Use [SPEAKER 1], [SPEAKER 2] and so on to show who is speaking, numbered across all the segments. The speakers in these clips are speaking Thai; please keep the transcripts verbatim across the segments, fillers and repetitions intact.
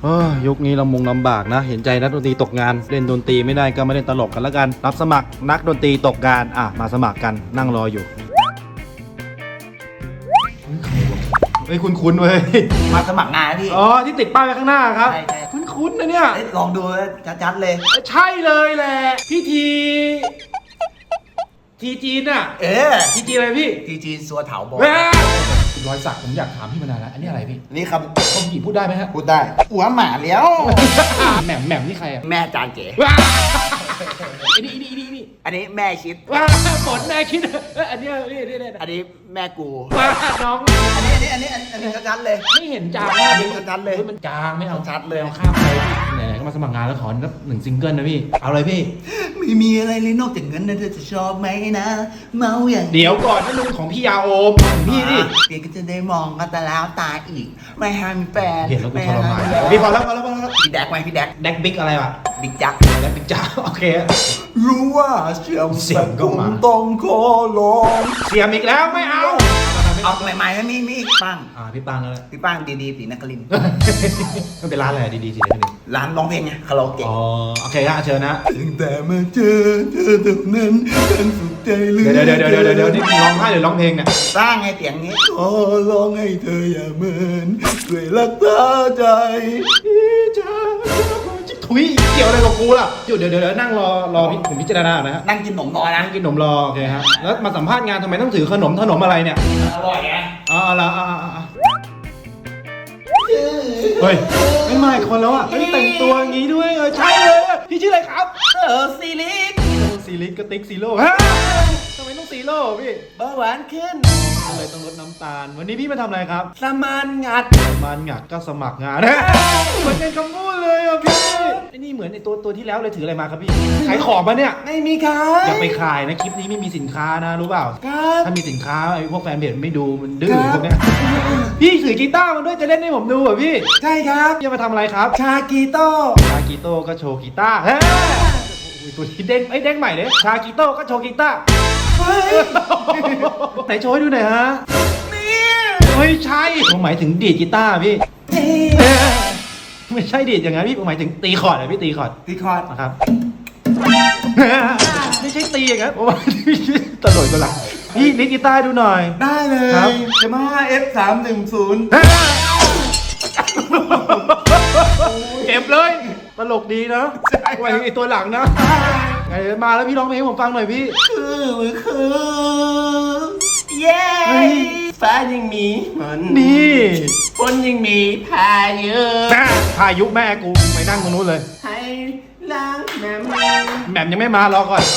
[SPEAKER 1] เฮ้ยยุคนี้ลำมงลำบากนะ เห็นใจนักดนตรีตกงานเล่นดนตรีไม่ได้ก็ไม่เล่นตลกกันแล้วกันรับสมัครนักดนตรีตกงานอ่ะมาสมัครกันนั่งรออยู่เฮ้ยคุ้นๆเว้ย
[SPEAKER 2] มาสมัครงานพี่
[SPEAKER 1] อ๋อที่ติดป้ายไว้ข้างหน้าครับ
[SPEAKER 2] ใช่ใช่
[SPEAKER 1] คุ้นๆนะเนี่ย
[SPEAKER 2] ลองดูชัดๆเลย
[SPEAKER 1] ใช่เลยแหละพี่ทีทีจีนอะ
[SPEAKER 2] เออ
[SPEAKER 1] ทีจีนอะไรพี่
[SPEAKER 2] ทีจีนสัวเถาบอก
[SPEAKER 1] แม่รอยสักผมอยากถามพี่มานานแล้วอันนี้อะไรพี่
[SPEAKER 2] นี่ค
[SPEAKER 1] คนหญิงพูดได้ไหมฮะ
[SPEAKER 2] ำพูดได้หัวหมาแล้ว
[SPEAKER 1] แหม่มแหม่มนี่ใครอะ
[SPEAKER 2] แม่จานเก๋
[SPEAKER 1] ว้าไอ้นี่นี่นี่นี่
[SPEAKER 2] อันนี้แม่ชิด
[SPEAKER 1] ว้าฝนแม่คิดเอ้ยอันเนี้ยนี่นี่นี่
[SPEAKER 2] อันนี้แม่กู
[SPEAKER 1] ว้าน้อง
[SPEAKER 2] อันนี้อันนี้อันนี้อันนี้ชัดๆเลย
[SPEAKER 1] ไม่เห็นจางมาก
[SPEAKER 2] เห็นชัดๆเลย
[SPEAKER 1] ฮ้มันจางไม่เอา
[SPEAKER 2] ชัดเลย
[SPEAKER 1] อาข้ามไปไหนๆก็มาสมัครงานแล้วขอหนึ่งซิงเกิลนะพี่เอาเลยพี่
[SPEAKER 2] ไม่มีอะไรเลยนอกจากเงินนะเธอจะชอบไหมนะเมาอย่าง
[SPEAKER 1] เดี๋ยวก่อนนั่นมันของพี่ยาโอมของพี่ดิ
[SPEAKER 2] เดี๋ยวก็จะได้มองกันแต่แล้วตาอีกไม่ห้ามแฟน
[SPEAKER 1] เห็นแล้วกู
[SPEAKER 2] ไม่
[SPEAKER 1] ทรมาน
[SPEAKER 2] ห้
[SPEAKER 1] พี่พอแล้วพอแล้วพอแล้ว
[SPEAKER 2] พี่แดกไหมพี่แดก
[SPEAKER 1] แดกบิ๊กอะไรวะ
[SPEAKER 2] บิ๊กจัก
[SPEAKER 1] แดกบิ๊กจ้าโอเค
[SPEAKER 2] รู้ว่าเสียง
[SPEAKER 1] เสียงก็มา
[SPEAKER 2] ผมต้องขอร้อง
[SPEAKER 1] เสียมอีกแล้วไม่เอา
[SPEAKER 2] เอาใหม่ๆให้มีมีอีกปัง
[SPEAKER 1] อ่าพี่ปังแล้วแหละ
[SPEAKER 2] พี่ปังดีๆสีนครินทร์
[SPEAKER 1] มันเป็นร้านอะไรดีๆสิเนี่ย
[SPEAKER 2] ร้านร้องเพลงไงคาราโอเกะ
[SPEAKER 1] อ๋อโอเคครับเชิญนะ
[SPEAKER 2] ตั้งแต่มาเจอเธอเท่านั้นฉันสุขใจเหลือ
[SPEAKER 1] เดี๋ยวเดี๋ยวเดี๋ยวเดี๋ยวเดี๋ยวนี่ร้องไห้หรือร้องเพลงเนี่ย
[SPEAKER 2] สร้างไงเสียงนี้ขอร้องให้เธออย่าเมินด้วยรักษาใจ
[SPEAKER 1] พี่จ้าถุยเกี่ยวอะไรกับกูล่ะเดี๋ยวเดี๋ยวเดี๋ยวนั่งรอรอพี่ผมพิจารณานะฮะ
[SPEAKER 2] นั่งกินขนมรอนะ
[SPEAKER 1] นั่งกินขนมรอโอเคฮะแล้วมาสัมภาษณ์งานทำไมต้องถือขนมขนมอะไรเนี่ย
[SPEAKER 2] อร่อยไง
[SPEAKER 1] อ๋อเอาละอ่าอ่าอ่าเฮ้ยไม่มาอีกคนแล้วอ่ะเฮ้ยแต่งตัวอย่างงี้ด้วยเออใช่เลยอะพี่ชื่ออะไรครับ
[SPEAKER 2] เออซีลิก
[SPEAKER 1] ซีลิกกับติ๊กซีโร่ฮะทำไมต้องซีโร่พี่
[SPEAKER 2] เบาหวานขึ้น
[SPEAKER 1] ก็เลยต้องลดน้ำตาล วันนี้พี่มาทำอะไรครับ
[SPEAKER 2] สมานงัด
[SPEAKER 1] มันหงักก็สมัครงานนะเหมือนกันคำพูดเลยอ่ะพี่ไอ้นี่เหมือนไอ้ตัวตัวที่แล้วเลยถืออะไรมาครับพี่ขายของปะเนี่ย
[SPEAKER 2] ไม่มีขาย
[SPEAKER 1] อย่าไปขายนะคลิปนี้ไม่มีสินค้านะรู้เปล่า
[SPEAKER 2] ครับ
[SPEAKER 1] ถ้ามีสินค้าไอ้พวกแฟนเพจไม่ดูมันดื้อพวกเนี้ยพี่ถือกีตาร์มาด้วยจะเล่นให้ผมดูเหรอพี่
[SPEAKER 2] ใช่ครับ
[SPEAKER 1] พี่จะมาทำอะไรครับ
[SPEAKER 2] ชากีโต้
[SPEAKER 1] ชากิโต้ก็โชว์กีตาร์เฮ้ยอุ้ยตัวนี้เด้งไอ้ยเด้งใหม่เลยชากิโต้ก็โชว์กีตาร์
[SPEAKER 2] เฮ้ย
[SPEAKER 1] ไหนโชว์ให้ดูหน่อยฮะ
[SPEAKER 2] นี่
[SPEAKER 1] ไม่ใช่ผมหมายถึงดีดกีตาร์พี่
[SPEAKER 2] นี่
[SPEAKER 1] ไม่ใช่ดีดอย่างนั้นพี่ผมหมายถึงตีคอร์ดอะพี่ตีคอร์ด
[SPEAKER 2] พี่คอร์ด
[SPEAKER 1] นะครับ ไม่ใช่ตีอย่างนั้นผมว่าตลกตลกพี่ลิดกีตาร์ดูหน่อย
[SPEAKER 2] ได้เล
[SPEAKER 1] ครับ
[SPEAKER 2] ยยามาฮ่า เอฟ สามหนึ่งศูนย์
[SPEAKER 1] เก็บเลยตลกดีนะไว้ไอตัวหลังนะไงมาแล้วพี่ร้องเพลงให้ผมฟังหน่อยพี่
[SPEAKER 2] คือคือเย้
[SPEAKER 1] เฮ้ย
[SPEAKER 2] ฟ้ายังมีมัน
[SPEAKER 1] นี่
[SPEAKER 2] ฝนยังมีพายุ
[SPEAKER 1] แม่พายุแม่กูไปนั่งตรงนู้นเลย
[SPEAKER 2] ให้ล้างแม่มือ
[SPEAKER 1] แหม่มยังไม่มารอก่อน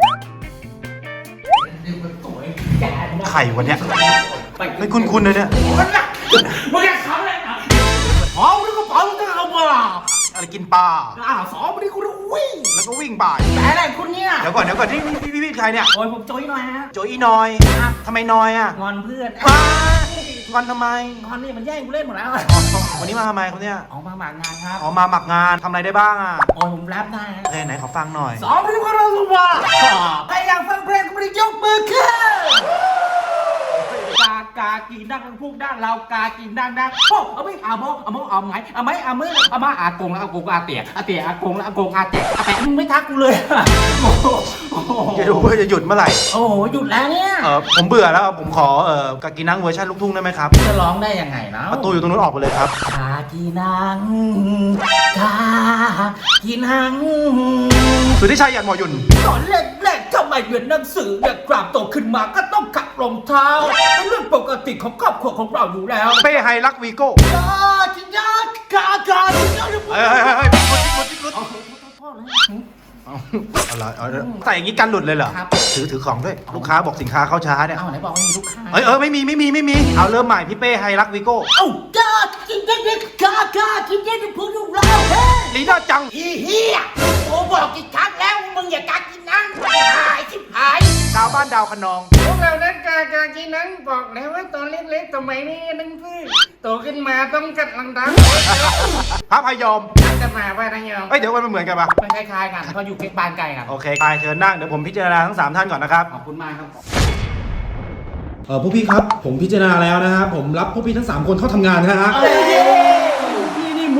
[SPEAKER 1] ไข่วันเนี้ยไม่คุ้นๆเลยเนี่ย
[SPEAKER 2] มึงอยากทำอะไรอ่ะหอมแล้วก็เผาก็เอามา
[SPEAKER 1] อะไรกินปลา
[SPEAKER 2] อ่าสองวันนี้กูจะวิ่ง
[SPEAKER 1] แล้วก็วิ่งบ่าย
[SPEAKER 2] แต่อะไรคุณเนี่ย
[SPEAKER 1] เดี๋ยวก่อนเดี๋ยวก่อนที่พี่พี่พี่ใครเนี่ย
[SPEAKER 2] โอ้ยผมโจ้ยหน่อยฮะ
[SPEAKER 1] โจอีนอยทำไมนอยอ่ะ
[SPEAKER 2] งอนเพื่อน
[SPEAKER 1] ว้างอนทำไม
[SPEAKER 2] งอนนี่มันแย่งกูเล่นหมดแล้ว
[SPEAKER 1] อ๋อวันนี้มาทำไมครับเนี่ย
[SPEAKER 2] ออกมาหมากงานครับ
[SPEAKER 1] อ๋อมาหมักงานทำอะไรได้บ้างอ่ะ
[SPEAKER 2] โอ้ยผมแรปได้ฮะ
[SPEAKER 1] โอเคไหนขอฟังหน่อย
[SPEAKER 2] สองวันนี้ก็เราสว่าใครอยากฟังเพลงก็ไม่ได้ยกมือขึ้นกากากินดังพูกดังเรากากินดังดังโอ้เอาไม่เอาโมเอาโมเอาไหมเอาไหมเอามือเอามาอากงแล้วอากงอาเตียอาเตียอากงแล้วอากงอาเตียอาแต่มึงไม่ทักกูเลยโอ้โห
[SPEAKER 1] จะดูว่าจะหยุดเมื่อไหร่
[SPEAKER 2] โอ้โหหยุดแล้วเนี่ย
[SPEAKER 1] เออผมเบื่อแล้วผมขอเออกากินังเวอร์ชันลูกทุ่งได้ไหมครับ
[SPEAKER 2] จะร้องได้ยังไงนะ
[SPEAKER 1] ประตูอยู่ตรงนู้นออกไปเลยครับ
[SPEAKER 2] กากินังกากินัง
[SPEAKER 1] สุทธิชัยหยัดหมอหยุ่น
[SPEAKER 2] ตอนแรกๆทำไมเรียนหนังสือเด็กกราบโตขึ้นมาก็ต้องขัดรองเท้าเป็นเรื่องปกติของครอบครัวของเราอยู่แล้ว
[SPEAKER 1] เป้ไฮรักวีโก้
[SPEAKER 2] กากินังกากากินัง
[SPEAKER 1] เฮ้ยเฮ้ยเฮ้ยพิกุดพิกุด
[SPEAKER 2] เอาพ่อเลย
[SPEAKER 1] เอาอะไรเอาใส่อย่างนี้กันหลุดเลยเหรอ
[SPEAKER 2] ครับ
[SPEAKER 1] ถือถือของด้วยลูกค้าบอกสินค้าเข้าช้าเนี่ย
[SPEAKER 2] เอาไหนบอกไม่มีลูกค้า
[SPEAKER 1] เอ้ยเออไม่มีไม่มีไม่มีเอาเริ่มใหม่พี่เป้ไฮรักวีโก้
[SPEAKER 2] เอ้ากากินังกากากินังเป็นพูดของเราเฮ้
[SPEAKER 1] ลีน่าจัง
[SPEAKER 2] อีเหี้ยโอ้บอกกี่ครั้งแล้วมึงอย่ากากินังหายชิบหาย
[SPEAKER 1] ดาวบ้านดาวคะนอง
[SPEAKER 3] พวกเรานักกากากินังบอกแล้วว่าตอนเล็กๆสมัยนี้นึงพืชโตขึ้นมาต้องกัดลังดัง
[SPEAKER 1] พระพยอม
[SPEAKER 3] จะมาว่าทางยอง
[SPEAKER 1] เอ้ยเดี๋ยวมันเหมือนกันปะ
[SPEAKER 3] มันคล้ายๆกันเพราะอยู่ใกล้บ้านไกลกัน
[SPEAKER 1] โอเคไปเชิญนั่งเดี๋ยวผมพิจารณาทั้งสามท่านก่อนนะครับ
[SPEAKER 3] ขอบคุณมากครับ
[SPEAKER 1] เออผู้พี่ครับผมพิจารณาแล้วนะฮะผมรับผู้พี่ทั้งสามคนเข้าทำงานนะฮะพี่นี่มุ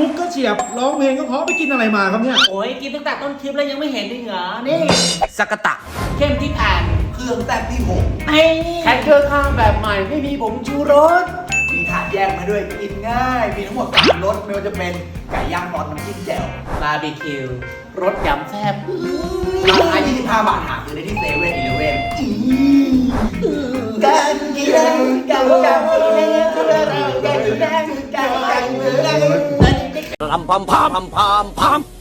[SPEAKER 1] มุกก็เฉียบร้องเพลงก็เพราะไปกินอะไรมาครับเนี่ย
[SPEAKER 2] โอ้ยกินตั้งแต่ต้นคลิปแล้วยังไม่เห็นอีกเหรอนี่สกตะเข้มที่แผ่น
[SPEAKER 4] เครื่องแต้มที่หก
[SPEAKER 2] ไอ้แฮกเกอร์ข้างแบบใหม่ไม่มีผงชูรส
[SPEAKER 4] มีถาดแยกมาด้วยกินง่าย มีทั้งหมดสามรสไม่ว่าจะเป็นไก่ย่างซอสน้ำจิ้มแจ่ว
[SPEAKER 2] บาร์บีคิวรสยำแซ่บ
[SPEAKER 4] ราคายี่สิบห้าบาทหาซื้อได้ที่เซเว่นอีเลฟเว่นกันกินกันกันกันกันกันกันกัน
[SPEAKER 5] ลำพามพามพามพาม